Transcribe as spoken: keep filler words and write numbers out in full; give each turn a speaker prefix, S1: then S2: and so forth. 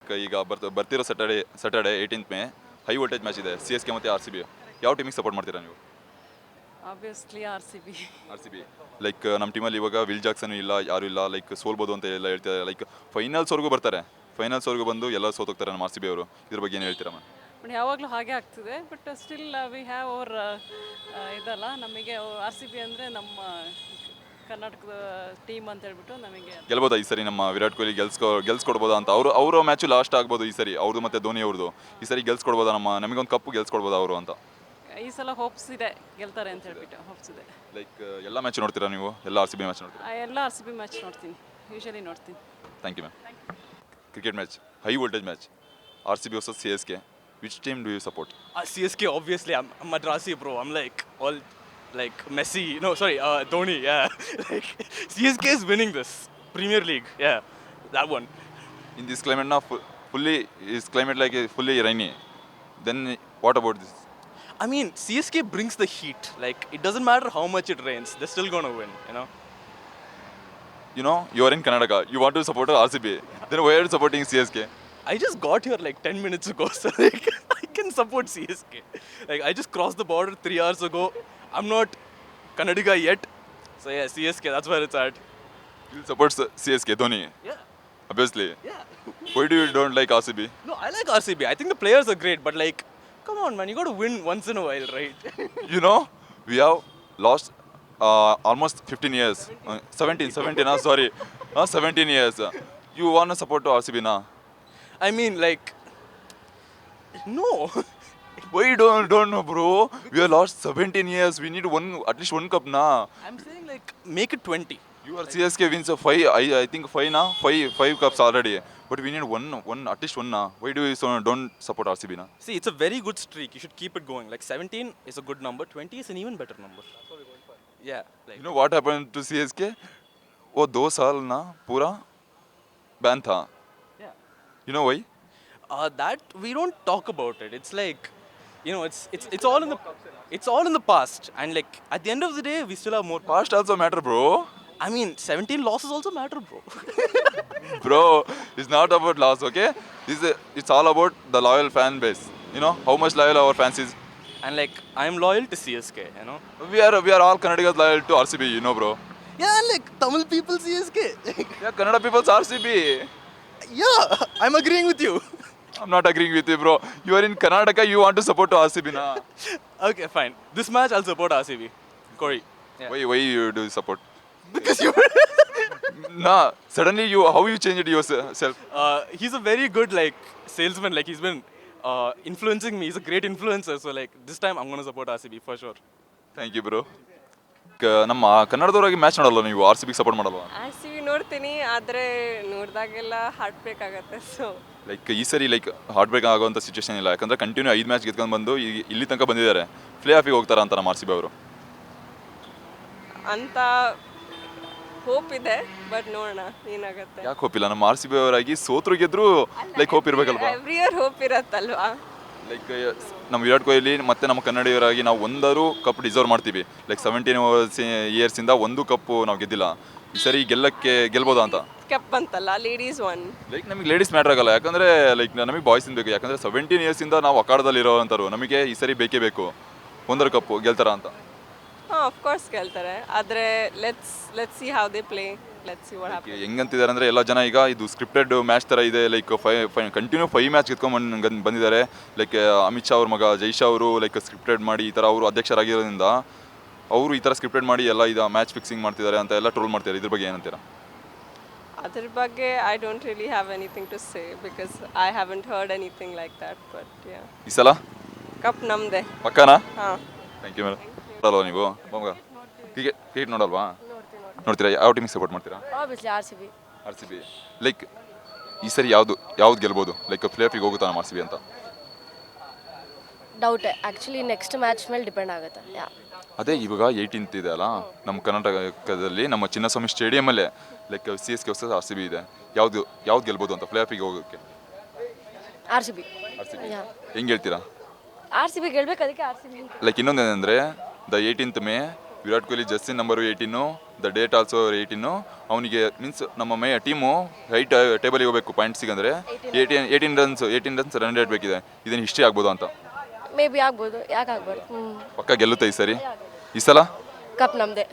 S1: Like ಈಗ ಬರ್ತ ಬರ್ತಿರೋ Saturday Saturday eighteenth May high voltage match ಇದೆ ಸಿ ಎಸ್ ಕೆ ಮತ್ತು ಆರ್ ಸಿ ಬಿ. ಯಾವ ಟೀಮಿಗೆ ಸಪೋರ್ಟ್ ಮಾಡ್ತೀರಾ ನೀವು?
S2: Obviously R C B.
S1: R C B. Like ನಮ್ಮ ಟೀಮಲ್ಲಿ ಇವಾಗ ವಿಲ್ ಜಾಕ್ಸನ್ ಇಲ್ಲ, ಯಾರು ಇಲ್ಲ, ಲೈಕ್ ಸೋಲ್ಬೋದು ಅಂತ ಎಲ್ಲ ಹೇಳ್ತಾರೆ. ಲೈಕ್ ಫೈನಲ್ಸ್ವರೆಗೂ ಬರ್ತಾರೆ, ಫೈನಲ್ಸ್ವರೆಗೂ ಬಂದು ಎಲ್ಲ ಸೋತೋಗ್ತಾರೆ ನಮ್ಮ ಆರ್ ಸಿ ಬಿ ಅವರು. ಇದ್ರ ಬಗ್ಗೆ ಏನು ಹೇಳ್ತೀರಾ ಮ್ಯಾಮ್?
S2: ಬಟ್ ಯಾವಾಗಲೂ ಹಾಗೆ ಆಗ್ತಿದೆ. But still we have our ಇದಲ್ಲ, ನಮಗೆ ಆರ್ ಸಿ ಬಿ ಅಂದರೆ ನಮ್ಮ ಕರ್ನಾಟಕದ ಟೀಮ್ ಅಂತ ಹೇಳ್ಬಿಟ್ಟು ನಮಗೆ
S1: ಗೆಲ್ಬೋದಾ ಈ ಸರಿ ನಮ್ಮ ವಿರಾಟ್ ಕೊಹ್ಲಿ ಗೆಲ್ಸ್ಕೊ ಗೆಲ್ಸ್ಕೊಡ್ಬೋದಾ ಅಂತ? ಅವರು ಅವರ ಮ್ಯಾಚು ಲಾಸ್ಟ್ ಆಗ್ಬೋದು ಈ ಸರಿ, ಅವ್ರದ್ದು ಮತ್ತು ಧೋನಿ ಅವ್ರದ್ದು. ಈ ಸರಿ ಗೆಲ್ಸ್ಕೊಡ್ಬೋದಾ, ನಮ್ಮ ನಮಗೊಂದು ಕಪ್ಪು ಗೆಲ್ಸ್ಕೊಡ್ಬೋದಾ ಅವರು ಅಂತ?
S2: ಈ ಸಲ ಹೋಪ್ಸ್ ಇದೆ, ಗೆಲ್ತಾರೆ ಅಂತ ಹೇಳ್ಬಿಟ್ಟು ಹೋಪ್ಸ್ ಇದೆ.
S1: ಲೈಕ್ ಎಲ್ಲ ಮ್ಯಾಚ್ ನೋಡ್ತೀರಾ ನೀವು? ಎಲ್ಲ ಆರ್ ಸಿ ಬಿ ಮ್ಯಾಚ್ ನೋಡ್ತೀರಾ?
S2: ಆ, ಎಲ್ಲ ಆರ್ ಸಿ ಬಿ ಮ್ಯಾಚ್ ನೋಡ್ತೀನಿ, ಯೂಶಲಿ ನೋಡ್ತೀನಿ.
S1: Thank you ma'am. Cricket match, high voltage match, R C B versus C S K. Which team do you support?
S3: Uh, C S K, obviously. I'm, I'm Madrasi, bro. I'm like all like Messi. No, sorry, uh, Dhoni. Yeah, like C S K is winning this Premier League. Yeah, that one.
S1: In this climate now, fully is climate like a fully rainy. Then what about this?
S3: I mean, C S K brings the heat. Like it doesn't matter how much it rains, they're still gonna win. You know.
S1: You know, you are in Karnataka. You want to support R C B. Then why are you supporting C S K?
S3: I just got here like ten minutes ago, so like I can support C S K. Like I just crossed the border three hours ago. I'm not Kannadiga yet, so yeah, C S K. That's where it's at.
S1: You support C S K, Dhoni,
S3: Yeah,
S1: obviously.
S3: yeah.
S1: Why do you don't like R C B?
S3: No, I like R C B. I think the players are great, but like, come on, man, you got to win once in a while, right?
S1: You know, we have lost uh, almost fifteen years. Uh, seventeen, seventeen, uh, sorry. Uh, seventeen years. You want to support to R C B now?
S3: I mean, like, no.
S1: Why you don't, don't know, bro? We have lost seventeen years. We need one, at least one cup now.
S3: I'm saying like, make it twenty.
S1: Your C S K wins a five, I, I think five now, five, five cups already. But we need one, one, at least one now. Why do you so don't support R C B now?
S3: See, it's a very good streak. You should keep it going. Like seventeen is a good number. twenty is an even better number. Yeah. Like,
S1: You know what happened to C S K? वो दो साल ना पूरा ban था.
S3: yeah.
S1: You know why?
S3: Uh, that we don't talk about it. It's like, you know, it's it's it's all in the it's all in the past. And like at the end of the day, we still have more.
S1: Past also matter, bro.
S3: I mean, seventeen losses also matter, bro.
S1: Bro, it's not about loss, okay? This is, it's all about the loyal fan base. You know how much loyal our fans is.
S3: And like, I'm loyal to C S K. You know.
S1: We are we are all Kannadigas loyal to R C B, you know, bro.
S3: Yeah, and like Tamil people C S K.
S1: Yeah, Kannada people's R C B.
S3: Yeah, I'm agreeing with you.
S1: I'm not agreeing with you, bro. You are in Karnataka, you want to support to R C B, na?
S3: Okay, fine. This match I'll support R C B. Corey. Yeah.
S1: Why why you do support?
S3: Because you.
S1: Nah, suddenly you how you changed yourself?
S3: uh, he's a very good like salesman. Like he's been uh, influencing me. He's a great influencer. So like this time I'm gonna support R C B for sure.
S1: Thank you, bro. ನಮ್ಮ ಕನ್ನಡದವರಾಗಿ match ನೋಡಲ್ಲ ನೀವು? R C ಬಿಗೆ support ಮಾಡಲ್ವಾ?
S4: R C B ನೋಡ್ತೀನಿ, ಆದರೆ ನೋಡಿದಾಗೆಲ್ಲ heartbreak ಆಗುತ್ತೆ. So
S1: like ಈ ಸರಿ ಲೈಕ್ ಹಾರ್ಟ್ ಬ್ರೇಕ್ ಆಗುವಂಥ ಸಿಚುವೇಶನ್ ಇಲ್ಲ, ಯಾಕಂದ್ರೆ ಕಂಟಿನ್ಯೂ ಐದು ಮ್ಯಾಚ್ ಗೆದ್ಕೊಂಡು ಬಂದು ಈ- ಇಲ್ಲಿ ತನಕ ಬಂದಿದ್ದಾರೆ. ಪ್ಲೇ ಆಫಿಗೆ ಹೋಗ್ತಾರ ಅಂತ ನಮ್ಮ ಆರ್ ಸಿ ಬಿ ಅವರು.
S4: ಅಂತ ಹೋಪ್ ಇದೆ, ಬಟ್ ನೋಡೋಣ ಏನಾಗುತ್ತೆ.
S1: ಯಾಕೆ ಹೋಪ್ ಇಲ್ಲ? ನಮ್ಮ ಆರ್ ಸಿ ಬಿ ಅವರಾಗಿ ಸೋತ್ರು ಗೆದ್ರು ಲೈಕ್ ಹೋಪ್ ಇರಬೇಕಲ್ವಾ?
S4: ಎವ್ರಿ ಇಯರ್ ಹೋಪ್ ಇರತ್ತಲ್ವಾ?
S1: ಲೈಕ್ ನಮ್ಮ ವಿರಾಟ್ ಕೊಹ್ಲಿ ಮತ್ತು ನಮ್ಮ ಕನ್ನಡಿಗರಾಗಿ ನಾವು ಒಂದಾರು ಕಪ್ ಡಿಸರ್ವ್ ಮಾಡ್ತೀವಿ. ಲೈಕ್ ಸೆವೆಂಟೀನ್ ಇಯರ್ಸಿಂದ ಒಂದು ಕಪ್ಪು ನಾವು ಗೆದ್ದಿಲ್ಲ. ಈ ಸರಿ ಗೆಲ್ಲಕ್ಕೆ ಗೆಲ್ಬೋದಾ ಅಂತ?
S4: ಕಪ್ ಅಂತಲ್ಲ, ಲೇಡೀಸ್ ಒನ್.
S1: ಲೈಕ್ ನಮಗೆ ಲೇಡೀಸ್ ಮ್ಯಾಟ್ರ್ ಆಗಲ್ಲ, ಯಾಕಂದರೆ ಲೈಕ್ ನಮಗೆ ಬಾಯ್ಸಿಂದ ಬೇಕು. ಯಾಕಂದರೆ ಸೆವೆಂಟೀನ್ ಇಯರ್ಸಿಂದ ನಾವು ಅಖಾಡದಲ್ಲಿ ಇರೋವಂಥವ್ರು. ನಮಗೆ ಈ ಸರಿ ಬೇಕೇ ಬೇಕು. ಒಂದರ ಕಪ್ಪು ಗೆಲ್ತಾರ ಅಂತ?
S4: ಹಾಂ, ಆಫ್ ಕೋರ್ಸ್ ಗೆಲ್ತಾರೆ, ಆದರೆ let's let's see how they play, let's see what happen.
S1: ಹೆಂಗಂತಿದ್ದಾರೆ ಅಂದರೆ ಎಲ್ಲ ಜನ ಈಗ ಇದು ಸ್ಕ್ರಿಪ್ಟೆಡ್ ಮ್ಯಾಚ್ ಥರ ಇದೆ. Like five five continue five match ಗೆದ್ಕೊಂಡು ಬಂದಿದ್ದಾರೆ. ಲೈಕ್ ಅಮಿತ್ ಶಾ ಅವ್ರ ಮಗ ಜೈ ಶಾ ಅವರು ಲೈಕ್ ಸ್ಕ್ರಿಪ್ಟೆಡ್ ಮಾಡಿ ಈ ಥರ ಅವರು ಅಧ್ಯಕ್ಷರಾಗಿರೋದ್ರಿಂದ ಅವರು ಈ ಥರ ಸ್ಕ್ರಿಪ್ಟೆಡ್ ಮಾಡಿ ಎಲ್ಲ ಇದು ಮ್ಯಾಚ್ ಫಿಕ್ಸಿಂಗ್ ಮಾಡ್ತಿದ್ದಾರೆ ಅಂತ ಎಲ್ಲ ಟ್ರೋಲ್ ಮಾಡ್ತಾರೆ. ಇದ್ರ ಬಗ್ಗೆ ಏನಂತೀರಾ?
S4: ಅದ್ರ ಬಗ್ಗೆ I don't really have anything to say, because I haven't heard anything like that. But yeah,
S1: ಈ ಸಲ
S4: ಕಪ್ ನಮ್ಮದೇ.
S1: ಪಕ್ಕನಾ?
S4: ಹಾಂ.
S1: Thank you madam. ನೋಡಲ್ವಾ ನೀವು ಮಗ ಕ್ರಿಕೆಟ್ ಕ್ರಿಕೆಟ್ ನೋಡಲ್ವಾ? ನೋಡ್ತೀರಾ? ಯಾವ ಟೀಮಿಗೆ ಸಪೋರ್ಟ್ ಮಾಡ್ತೀರಾ?
S5: Obviously R C B.
S1: R C B. Like ಈ ಸರಿ ಯಾವುದು ಯಾವ್ದು ಗೆಲ್ಬೋದು? ಲೈಕ್ ಪ್ಲೇ ಆಫಿಗೆ ಹೋಗುತ್ತಾ ನಮ್ಮ ಆರ್ ಸಿ ಬಿ ಅಂತ?
S5: ಡೌಟ್ ಆ್ಯಕ್ಚುಲಿ ನೆಕ್ಸ್ಟ್ ಮ್ಯಾಚ್ ಮೇಲೆ ಡಿಪೆಂಡ್ ಆಗುತ್ತೆ. ಯಾ,
S1: ಅದೇ ಇವಾಗ ಏಯ್ಟೀನ್ತ್ ಇದೆ ಅಲ್ಲ ನಮ್ಮ ಕರ್ನಾಟಕದಲ್ಲಿ, ನಮ್ಮ ಚಿನ್ನಸ್ವಾಮಿ ಸ್ಟೇಡಿಯಮಲ್ಲೇ like C S K versus R C B ಇದೆ. ಯಾವುದು ಯಾವ್ದು ಗೆಲ್ಬೋದು ಅಂತ ಪ್ಲೇ ಆಫಿಗೆ ಹೋಗೋಕ್ಕೆ?
S5: R C B.
S1: R C B.
S5: Yeah,
S1: ಹೆಂಗೆ ಹೇಳ್ತೀರಾ?
S5: ಆರ್ ಸಿ ಬಿ ಗೆಲ್ಬೇಕು, ಅದಕ್ಕೆ ಆರ್ ಸಿ ಬಿ.
S1: ಲೈಕ್ ಇನ್ನೊಂದೇನೆಂದರೆ the eighteenth May Virat Kohli ಜಸ್ಸಿನ್ number eighteen the date also eighteen. ಅವನಿಗೆ ಮೀನ್ಸ್ ನಮ್ಮ ಮೇ ಟೀಮು ಹೈಟ್ ಟೇಬಲಿಗೆ ಹೋಗಬೇಕು ಪಾಯಿಂಟ್ಸಿಗೆ ಅಂದರೆ eighteen eighteen runs eighteen runs run rate ಬೇಕಿದೆ. ಇದನ್ನು ಹಿಸ್ಟ್ರಿ ಆಗ್ಬೋದು ಅಂತ.
S5: ಮೇ ಬಿ ಆಗ್ಬೋದು, ಯಾಕೆ ಆಗ್ಬಾರ್ದು. ಹ್ಞೂ
S1: ಪಕ್ಕ ಗೆಲ್ಲುತ್ತೆ ಈ ಸರಿ. ಈ ಸಲ
S5: ಕಪ್ ನಮ್ಮದೇ.